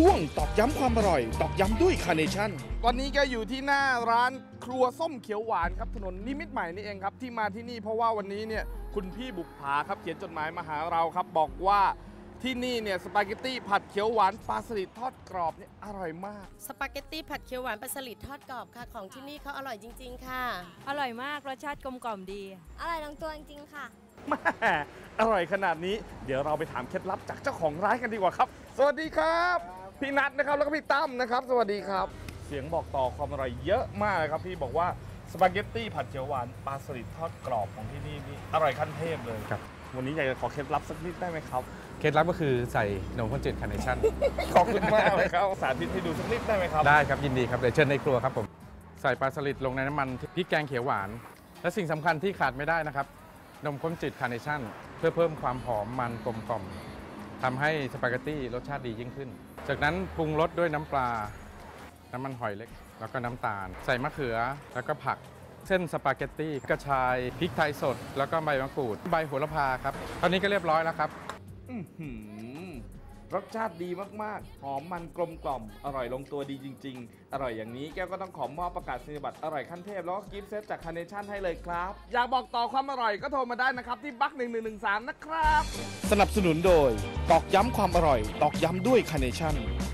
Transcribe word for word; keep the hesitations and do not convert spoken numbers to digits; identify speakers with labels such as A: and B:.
A: ช่วงตอกย้ำความอร่อยตอกย้ำด้วยคาร์เนชั่นตอนนี้ก็อยู่ที่หน้าร้านครัวส้มเขียวหวานครับถนนนิมิตรใหม่นี่เองครับที่มาที่นี่เพราะว่าวันนี้เนี่ยคุณพี่บุกผาครับเขียนจดหมายมาหาเราครับบอกว่าที่นี่เนี่ยสปาเกตตี้ผัดเขียวหวานปลาสลิดทอดกรอบเนี่ยอร่อยมาก
B: สปาเกตตี้ผัดเขียวหวานปลาสลิดทอดกรอบค่ะของที่นี่เขาอร่อยจริงๆค่ะ
C: อร่อยมากรสชาติกลมกล่อมดี
D: อร่อยลงตัวจริงๆค่ะ
A: แม่อร่อยขนาดนี้เดี๋ยวเราไปถามเคล็ดลับจากเจ้าของร้านกันดีกว่าครับสวัสดีครับพี่นัทนะครับแล้วก็พี่ตั้มนะครับสวัสดีครับเสียงบอกต่อความอร่อยเยอะมากเลยครับพี่บอกว่าสปาเกตตี้ผัดเขียวหวานปลาสลิดทอดกรอบของที่นี่นี่อร่อยขั้นเทพเลยครับวันนี้อยากจะขอเคล็ดลับสักนิดได้ไหมครับ
E: เคล็ดลับก็คือใส่นมข้นจืดคาร์เนชั่น
A: ขอบคุณมากเลยครับสาธิตให้ดูสักนิดได้ไหมครับ
E: ได้ครับยินดีครับเดี๋ยวเชิญในครัวครับผมใส่ปลาสลิดลงในน้ำมันพริกแกงเขียวหวานและสิ่งสำคัญที่ขาดไม่ได้นะครับนมข้นจืดคาร์เนชั่นเพื่อเพิ่มความหอมมันกลมกล่อมทำให้สปาเกตตี้รสชาติดียิ่งขึ้นจากนั้นปรุงรสด้วยน้ำปลาน้ำมันหอยเล็กแล้วก็น้ำตาลใส่มะเขือแล้วก็ผักเส้นสปาเกตตี้กระชายพริกไทยสดแล้วก็ใบมะกรูดใบโหระพาครับตอนนี้ก็เรียบร้อยแล้วครับ
A: รสชาติดีมากๆหอมมันกลมกล่อมอร่อยลงตัวดีจริงๆอร่อยอย่างนี้แก้วก็ต้องขอมอบประกาศนียบัตรอร่อยขั้นเทพแล้วก็กิฟต์เซตจากคาร์เนชั่นให้เลยครับอยากบอกต่อความอร่อยก็โทรมาได้นะครับที่บักหนึ่งหนึ่งหนึ่งสามนะครับสนับสนุนโดยตอกย้ำความอร่อยตอกย้ำด้วยคาร์เนชั่น